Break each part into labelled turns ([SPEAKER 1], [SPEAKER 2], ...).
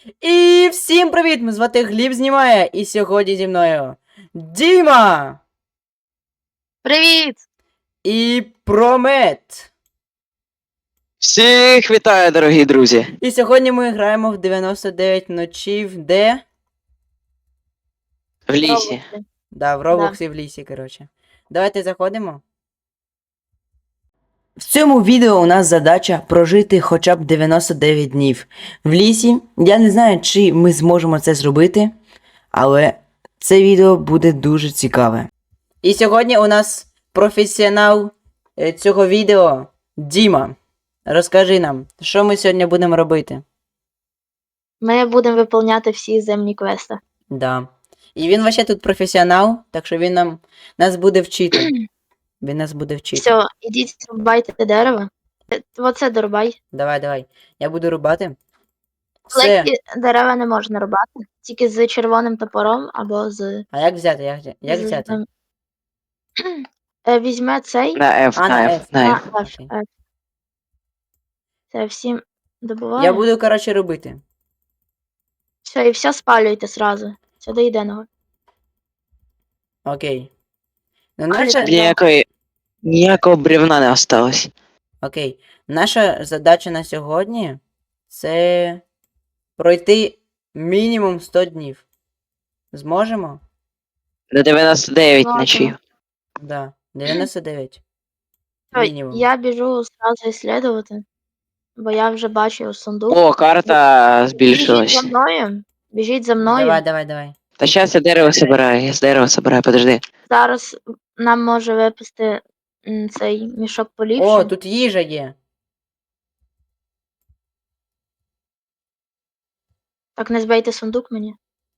[SPEAKER 1] І всім привіт! Мене звати Гліб знімає, і сьогодні зі мною Діма
[SPEAKER 2] Привіт!
[SPEAKER 1] і Промет.
[SPEAKER 3] Всіх вітаю, дорогі друзі!
[SPEAKER 1] І сьогодні ми граємо в 99 ночів, де?
[SPEAKER 3] В лісі.
[SPEAKER 1] Да, в Роблоксі в лісі, коротше. Давайте заходимо. В цьому відео у нас задача прожити хоча б 99 днів в лісі. Я не знаю, чи ми зможемо це зробити, але це відео буде дуже цікаве. І сьогодні у нас професіонал цього відео Діма. Розкажи нам, що ми сьогодні будемо робити?
[SPEAKER 2] Ми будемо виповняти всі земні квести.
[SPEAKER 1] Да. І він вообще тут професіонал, так що він нас буде вчити. Він нас буде вчити.
[SPEAKER 2] Все, ідіть рубайте дерево. Оце дорубай.
[SPEAKER 1] Давай. Я буду рубати. Все.
[SPEAKER 2] Легкі дерева не можна рубати, тільки з червоним топором або з.
[SPEAKER 1] А як взяти? Як взяти?
[SPEAKER 2] Візьме цей.
[SPEAKER 3] На F,
[SPEAKER 1] А,
[SPEAKER 3] на
[SPEAKER 1] на
[SPEAKER 3] F,
[SPEAKER 1] F.
[SPEAKER 3] на F.
[SPEAKER 1] Окей.
[SPEAKER 2] Це всім добуває.
[SPEAKER 1] Я буду, коротше, робити.
[SPEAKER 2] Все, і все спалюйте сразу. Це до єдиного.
[SPEAKER 1] Окей. Ну,
[SPEAKER 2] Але
[SPEAKER 1] наша...
[SPEAKER 3] Ніякого бревна не осталось.
[SPEAKER 1] Окей. Наша задача на сьогодні це пройти мінімум 100 днів. Зможемо?
[SPEAKER 3] До 99
[SPEAKER 2] Ладно.
[SPEAKER 3] ночів.
[SPEAKER 1] Да. 99.
[SPEAKER 2] Все,
[SPEAKER 1] Мінімум.
[SPEAKER 2] я біжу сразу ісследувати, бо я вже бачив сундук.
[SPEAKER 3] О, карта
[SPEAKER 2] Біжіть
[SPEAKER 3] збільшилась.
[SPEAKER 2] за мною. Біжіть за мною.
[SPEAKER 1] Давай.
[SPEAKER 3] Та зараз я дерево собираю, подожди.
[SPEAKER 2] Зараз нам може випасти цей мішок поліпше.
[SPEAKER 1] О, тут їжа є.
[SPEAKER 2] Так не збийте сундук мені.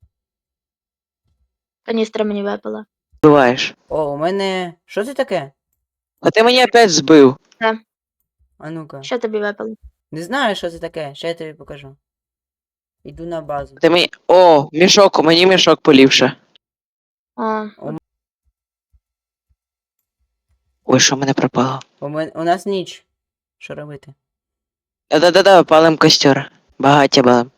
[SPEAKER 2] Каністра мені випала.
[SPEAKER 3] Буваєш.
[SPEAKER 1] О, у мене. Що це таке?
[SPEAKER 3] А ти мені опять збив.
[SPEAKER 1] А ну-ка.
[SPEAKER 2] Що тобі випало?
[SPEAKER 1] Не знаю, що це таке. Ще я тобі покажу. Іду на базу.
[SPEAKER 3] Ти мені. О, мішок, мені мішок поліпше.
[SPEAKER 2] О,
[SPEAKER 3] Ой, що в мене пропало?
[SPEAKER 1] У нас ніч. Що робити?
[SPEAKER 3] Да, палим костер. Багаття балим.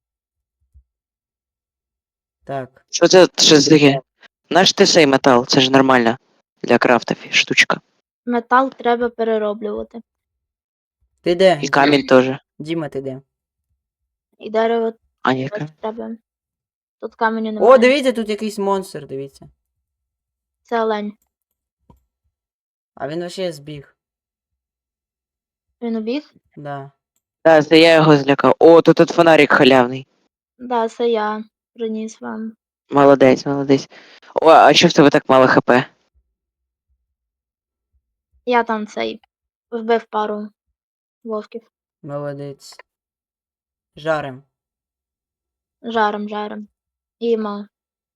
[SPEAKER 1] Так.
[SPEAKER 3] Що це таке? Наш ти цей метал, це ж нормально. Для крафтів штучка.
[SPEAKER 2] метал треба перероблювати.
[SPEAKER 1] Ти де?
[SPEAKER 3] І камінь теж.
[SPEAKER 1] Діма, ти де?
[SPEAKER 2] І дерево
[SPEAKER 3] А ні,
[SPEAKER 2] теж треба. Тут каменю немає.
[SPEAKER 1] О, дивіться, тут якийсь монстр, дивіться.
[SPEAKER 2] Це олень.
[SPEAKER 1] А він вообще збіг.
[SPEAKER 2] Він убіг?
[SPEAKER 1] Да.
[SPEAKER 3] Так, це я його злякав. О, тут фонарик халявний.
[SPEAKER 2] Да, це я приніс вам.
[SPEAKER 3] Молодець. О, а що в тебе так мало хп?
[SPEAKER 2] Я там цей вбив пару вовків.
[SPEAKER 1] Молодець. Жарим.
[SPEAKER 2] Жаром. Їмо.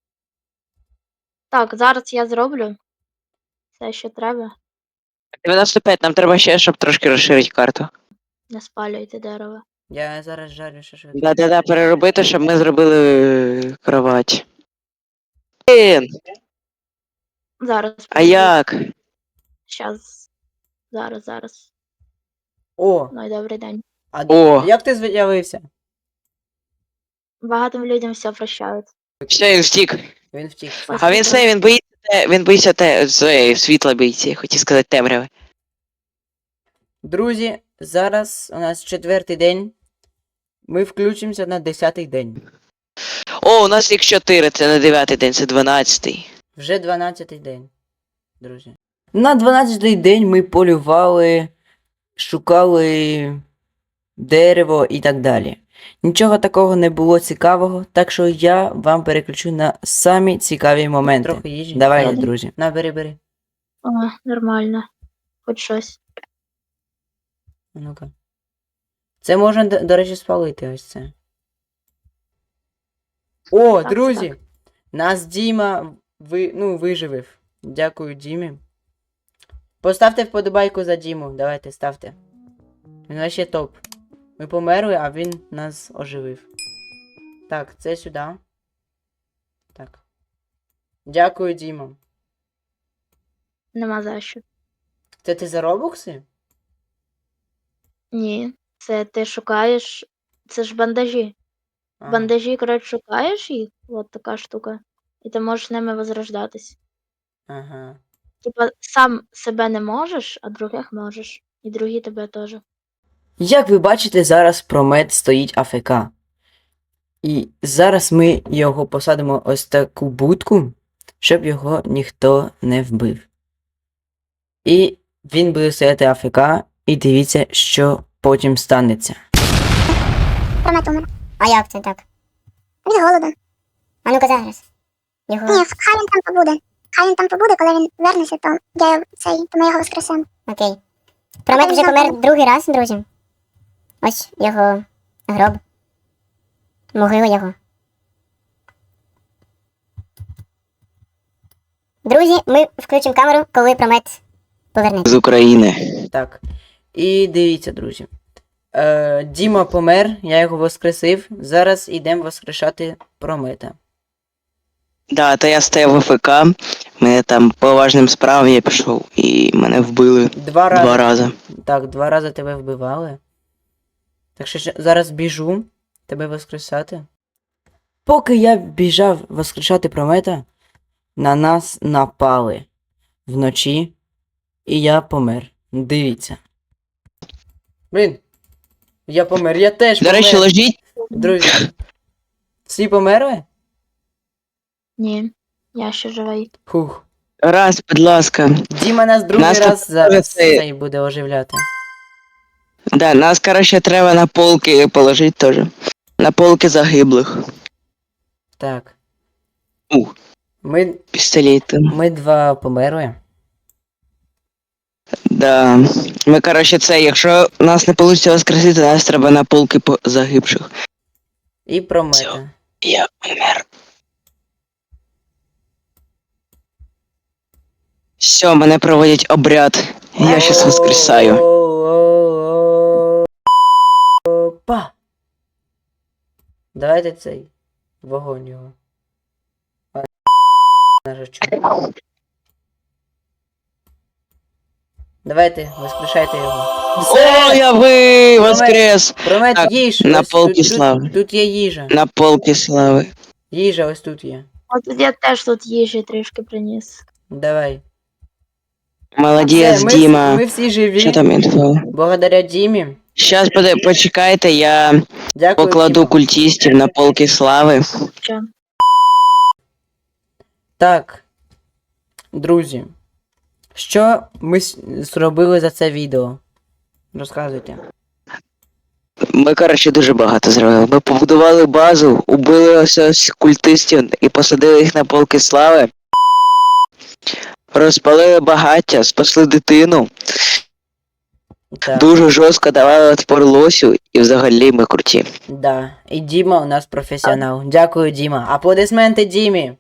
[SPEAKER 2] Так, зараз я зроблю все, що треба.
[SPEAKER 3] 95, нам треба ще, щоб трошки розширити карту.
[SPEAKER 2] Не спалюйте дерево.
[SPEAKER 1] Я зараз жарю шашлик.
[SPEAKER 3] Да, переробити, щоб ми зробили кровать. Блін,
[SPEAKER 2] Зараз.
[SPEAKER 3] а як?
[SPEAKER 2] Щас. Зараз.
[SPEAKER 1] О!
[SPEAKER 2] Ну і добрий день.
[SPEAKER 1] А
[SPEAKER 3] О.
[SPEAKER 1] як ти з'явився?
[SPEAKER 2] Багатим людям все прощають.
[SPEAKER 3] Все, він втік.
[SPEAKER 1] Він втік.
[SPEAKER 3] А він боїться світла боїться, хотів сказати темряви.
[SPEAKER 1] Друзі, зараз у нас 4-й день. Ми включимося на 10-й день.
[SPEAKER 3] О, у нас їх 4, це не 9-й день, це 12-й.
[SPEAKER 1] Вже 12-й день, друзі. На 12-й день ми полювали, шукали дерево і так далі. Нічого такого не було цікавого, так що я вам переключу на самі цікаві моменти.
[SPEAKER 2] Трохи їжі.
[SPEAKER 1] Давайте,
[SPEAKER 2] Ладно.
[SPEAKER 1] друзі. На, бери.
[SPEAKER 2] О, нормально. Хоч щось.
[SPEAKER 1] А ну-ка. Це можна, до речі, спалити ось це. О,
[SPEAKER 2] Так,
[SPEAKER 1] друзі!
[SPEAKER 2] так.
[SPEAKER 1] Нас Діма виживив. Дякую Дімі. Поставте вподобайку за Діму. Давайте, ставте. Він вообще топ. Ми померли, а він нас оживив. Так, це сюди. Так. Дякую, Діма.
[SPEAKER 2] Нема за що.
[SPEAKER 1] Це ти за робокси?
[SPEAKER 2] Ні. Це ти шукаєш. Це ж бандажі.
[SPEAKER 1] Ага.
[SPEAKER 2] Бандажі, коротше, шукаєш їх, от така штука, і ти можеш ними возрождатись.
[SPEAKER 1] Ага.
[SPEAKER 2] Типа, сам себе не можеш, а других можеш. І другі тебе теж.
[SPEAKER 1] Як ви бачите, зараз промет стоїть АФК. І зараз ми його посадимо ось таку будку, щоб його ніхто не вбив. І він буде стояти АФК, і дивіться, що потім станеться.
[SPEAKER 4] Промет умер.
[SPEAKER 5] А як це так?
[SPEAKER 4] Від голоду.
[SPEAKER 5] А ну-ка зараз. Його.
[SPEAKER 4] Ні, хай він там побуде. Хай він там побуде, коли він вернеться, то то ми його воскресемо.
[SPEAKER 5] Окей. Промет вже помер другий раз, друзі. Ось його гроб. Могила його. Друзі, ми включимо камеру, коли промет повернеться.
[SPEAKER 3] З України.
[SPEAKER 1] Так. І дивіться, друзі. Діма помер, я його воскресив. Зараз йдемо воскрешати промета.
[SPEAKER 3] Да, то я стояв в АФК, мене там по важним справам я пішов і мене вбили
[SPEAKER 1] Два рази.
[SPEAKER 3] два рази.
[SPEAKER 1] Так, 2 рази тебе вбивали. Так що зараз біжу тебе воскресати. Поки я біжав воскрешати промета, на нас напали вночі, і я помер. Дивіться. Блін. Я помер, я теж
[SPEAKER 3] До
[SPEAKER 1] помер.
[SPEAKER 3] речі, ложіть.
[SPEAKER 1] Друзі. Всі померли?
[SPEAKER 2] Ні, я ще живий.
[SPEAKER 1] Фух.
[SPEAKER 3] Раз, будь ласка.
[SPEAKER 1] Діма нас другий
[SPEAKER 3] Нас
[SPEAKER 1] раз
[SPEAKER 3] тут
[SPEAKER 1] зараз
[SPEAKER 3] це-
[SPEAKER 1] цей буде оживляти.
[SPEAKER 3] Да, нас, коротше, треба на полки положити теж. На полки загиблих.
[SPEAKER 1] Так.
[SPEAKER 3] Ух.
[SPEAKER 1] Ми,
[SPEAKER 3] Пістолети.
[SPEAKER 1] ми 2 померли.
[SPEAKER 3] Да. Ми, коротше, це, якщо нас не вийде воскресити, нас треба на полки по загибших.
[SPEAKER 1] І промета.
[SPEAKER 3] Я умер. Все, мене проводять обряд. Я щас воскресаю.
[SPEAKER 1] Опа! Давайте цей вогонь його. Нажачу. Давайте, воскрешайте його.
[SPEAKER 3] О, я воскрес!
[SPEAKER 1] Промет
[SPEAKER 3] Так,
[SPEAKER 1] їж!
[SPEAKER 3] на
[SPEAKER 1] ось
[SPEAKER 3] полки
[SPEAKER 1] тут,
[SPEAKER 3] слави.
[SPEAKER 1] Тут є їжа.
[SPEAKER 3] На полки слави.
[SPEAKER 1] Їжа ось тут є.
[SPEAKER 2] От я теж тут їжі трішки приніс.
[SPEAKER 1] Давай.
[SPEAKER 3] Молодець,
[SPEAKER 1] Все,
[SPEAKER 3] Діма.
[SPEAKER 1] ми всі живі.
[SPEAKER 3] Що там інфо?
[SPEAKER 1] Благодаря Дімі.
[SPEAKER 3] Щас почекайте, я
[SPEAKER 1] Дякую.
[SPEAKER 3] покладу
[SPEAKER 1] Діма.
[SPEAKER 3] культистів на полки слави.
[SPEAKER 2] Що?
[SPEAKER 1] Так, друзі, що ми зробили за це відео? Розказуйте.
[SPEAKER 3] Ми, коротше, дуже багато зробили. Ми побудували базу, убили ось культистів і посадили їх на полки слави. Розпалили багаття, спасли дитину.
[SPEAKER 1] Так,
[SPEAKER 3] Дуже жорстко давали отпор лосю, і взагалі ми круті.
[SPEAKER 1] да. І Діма у нас професіонал. Дякую, Діма. Аплодисменти Дімі.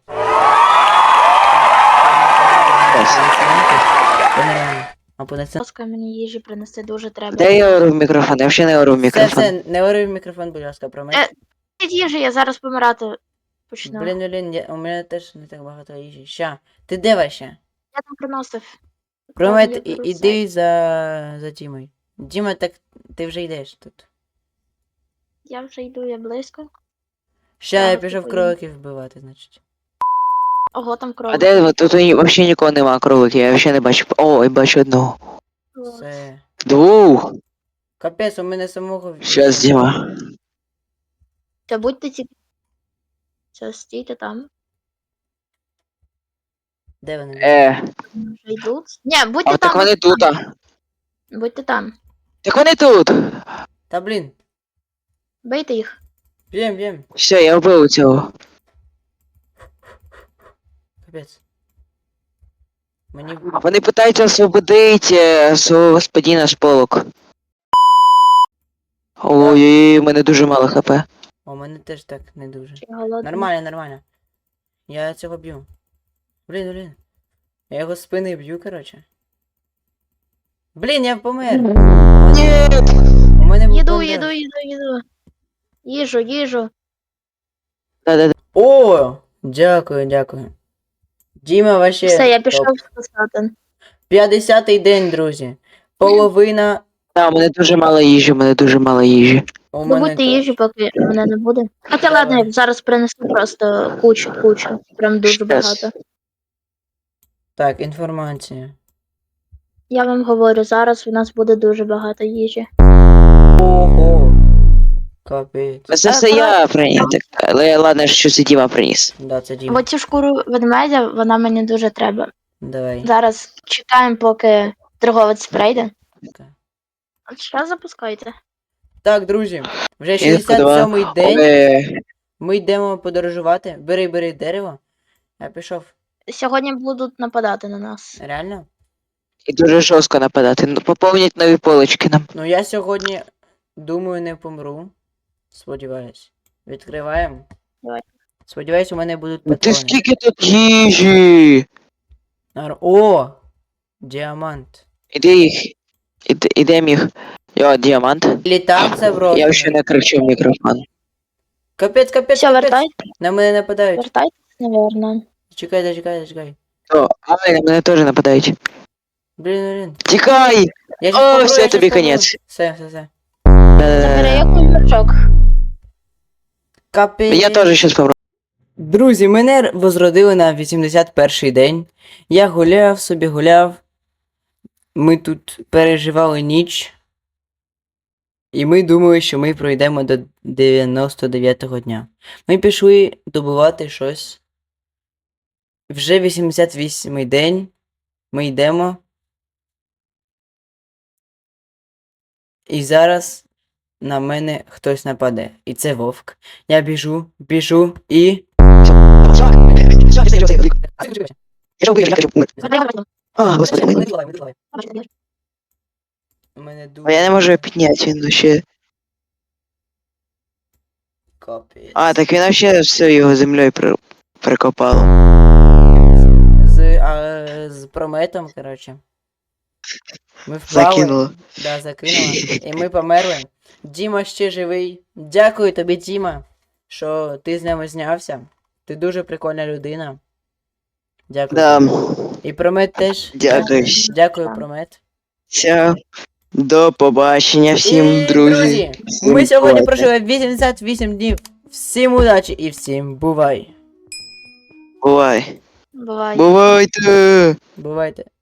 [SPEAKER 1] Це нереально. Аплодисменти.
[SPEAKER 2] Будь ласка, мені їжі принести дуже треба.
[SPEAKER 3] Де я ору в мікрофон? Я взагалі не ору в
[SPEAKER 1] Все,
[SPEAKER 3] мікрофон.
[SPEAKER 1] все, не говори в мікрофон, будь ласка, про мене.
[SPEAKER 2] Їжі, я зараз помирати почну.
[SPEAKER 1] Блін, у мене теж не так багато їжі. Ща, ти де вообще?
[SPEAKER 2] Я там приносив.
[SPEAKER 1] Промет,
[SPEAKER 2] Я беру
[SPEAKER 1] іди за Дімою. Діма, так ти вже йдеш тут.
[SPEAKER 2] Я вже йду, я близько.
[SPEAKER 1] Ща я
[SPEAKER 2] Зараз
[SPEAKER 1] пішов
[SPEAKER 2] поїду.
[SPEAKER 1] кроликів вбивати, значить.
[SPEAKER 2] Ого, там кров.
[SPEAKER 3] А де ви? Тут взагалі нікого нема кроликів, я взагалі не бачу. О, я бачу одного.
[SPEAKER 1] Все.
[SPEAKER 3] Двух.
[SPEAKER 1] Капець, у мене самого.
[SPEAKER 3] Щас, Діма.
[SPEAKER 2] Та будьте ці. Все, стійте там.
[SPEAKER 1] Де вони?
[SPEAKER 2] Вже йдуть. Ні, будьте
[SPEAKER 3] А так
[SPEAKER 2] там.
[SPEAKER 3] вони тут. А.
[SPEAKER 2] Будьте там.
[SPEAKER 3] Так вони тут.
[SPEAKER 1] Та блін.
[SPEAKER 2] Бийте їх.
[SPEAKER 1] Б'єм.
[SPEAKER 3] Все, я вбив цього.
[SPEAKER 1] Капець. Мені.
[SPEAKER 3] А вони питаються освободити свого господина з полок. Ой, у мене дуже мало хп.
[SPEAKER 1] У мене теж так не дуже.
[SPEAKER 2] Чи голодні?
[SPEAKER 1] Нормально. Я цього б'ю. Блін. Я його з спини б'ю, коротше. Блін, я помер.
[SPEAKER 3] Ні.
[SPEAKER 1] У мене був
[SPEAKER 2] Їду,
[SPEAKER 1] бандаж.
[SPEAKER 2] їду. Їжу.
[SPEAKER 3] Да.
[SPEAKER 1] О! Дякую. Діма вообще.
[SPEAKER 2] Все, я
[SPEAKER 1] топ.
[SPEAKER 2] пішов спасати.
[SPEAKER 1] 50-й день, друзі. Половина.
[SPEAKER 3] Да, у мене дуже мало їжі,
[SPEAKER 1] У мене
[SPEAKER 2] Добудьте
[SPEAKER 1] теж.
[SPEAKER 2] їжі, поки мене не буде. Хоча ладно, я зараз принесу просто кучу. Прям дуже
[SPEAKER 3] Щас.
[SPEAKER 2] багато.
[SPEAKER 1] Так, інформація.
[SPEAKER 2] Я вам говорю, зараз у нас буде дуже багато їжі.
[SPEAKER 1] Ого. Капець.
[SPEAKER 3] Це все я приніс, але ладно, що це Діма приніс.
[SPEAKER 1] Да, це Діма.
[SPEAKER 2] Бо цю шкуру ведмедя, вона мені дуже треба.
[SPEAKER 1] Давай.
[SPEAKER 2] Зараз чекаємо, поки торговець прийде.
[SPEAKER 1] Так.
[SPEAKER 2] Що запускайте?
[SPEAKER 1] Так, друзі, вже
[SPEAKER 3] Я
[SPEAKER 1] 67-й день.
[SPEAKER 3] Але
[SPEAKER 1] Ми йдемо подорожувати. Бери дерево. Я пішов.
[SPEAKER 2] Сьогодні будуть нападати на нас.
[SPEAKER 1] Реально?
[SPEAKER 3] і дуже жорстко нападати. Ну, поповніть нові полочки нам.
[SPEAKER 1] Ну я сьогодні, думаю, не помру. Сподіваюсь. Відкриваємо.
[SPEAKER 2] Давай.
[SPEAKER 1] Сподіваюсь, у мене будуть
[SPEAKER 3] Ну, Ти
[SPEAKER 1] патрони.
[SPEAKER 3] скільки тут їжі?
[SPEAKER 1] О! Діамант.
[SPEAKER 3] Іди їх. Ідем їх. Йо, діамант.
[SPEAKER 1] Літак це в рот.
[SPEAKER 3] Я ще не кричу в мікрофон.
[SPEAKER 1] Капець.
[SPEAKER 2] Все, вертайте,
[SPEAKER 1] На мене нападають.
[SPEAKER 2] вертайтесь, наверно.
[SPEAKER 1] Чекай.
[SPEAKER 3] О, але на мене теж нападають.
[SPEAKER 1] Блін.
[SPEAKER 3] Тікай!
[SPEAKER 1] Я
[SPEAKER 3] О,
[SPEAKER 1] помру,
[SPEAKER 3] все,
[SPEAKER 1] я щас
[SPEAKER 3] тобі
[SPEAKER 1] помру.
[SPEAKER 3] конець.
[SPEAKER 1] Все.
[SPEAKER 2] Забери якийсь мішок.
[SPEAKER 1] Капець.
[SPEAKER 3] Я теж щас помру.
[SPEAKER 1] Друзі, мене возродили на 81-й день. Я гуляв. Ми тут переживали ніч. І ми думали, що ми пройдемо до 99-го дня. Ми пішли добувати щось. Вже 88-й день. Ми йдемо. І зараз на мене хтось нападе. І це вовк. Я біжу і.
[SPEAKER 3] А, господи.
[SPEAKER 1] У мене дуже.
[SPEAKER 3] А я не можу його підняти, він ще.
[SPEAKER 1] Капець.
[SPEAKER 3] А, так він вообще все його землею прикопало.
[SPEAKER 1] З прометом, коротше. Ми впали.
[SPEAKER 3] Закинуло.
[SPEAKER 1] Да, закинуло. І ми померли. Діма ще живий. Дякую тобі, Діма, що ти з нами знявся. Ти дуже прикольна людина. Дякую.
[SPEAKER 3] Да.
[SPEAKER 1] тобі. І Промет теж.
[SPEAKER 3] Дякую.
[SPEAKER 1] Дякую, Промет.
[SPEAKER 3] Все. До побачення всім,
[SPEAKER 1] І,
[SPEAKER 3] друзі. Всім
[SPEAKER 1] ми сьогодні
[SPEAKER 3] бувайте.
[SPEAKER 1] прожили 88 днів. Всім удачі і всім бувай.
[SPEAKER 3] Бувай.
[SPEAKER 2] Буває.
[SPEAKER 3] Бувайте.
[SPEAKER 1] Бувайте.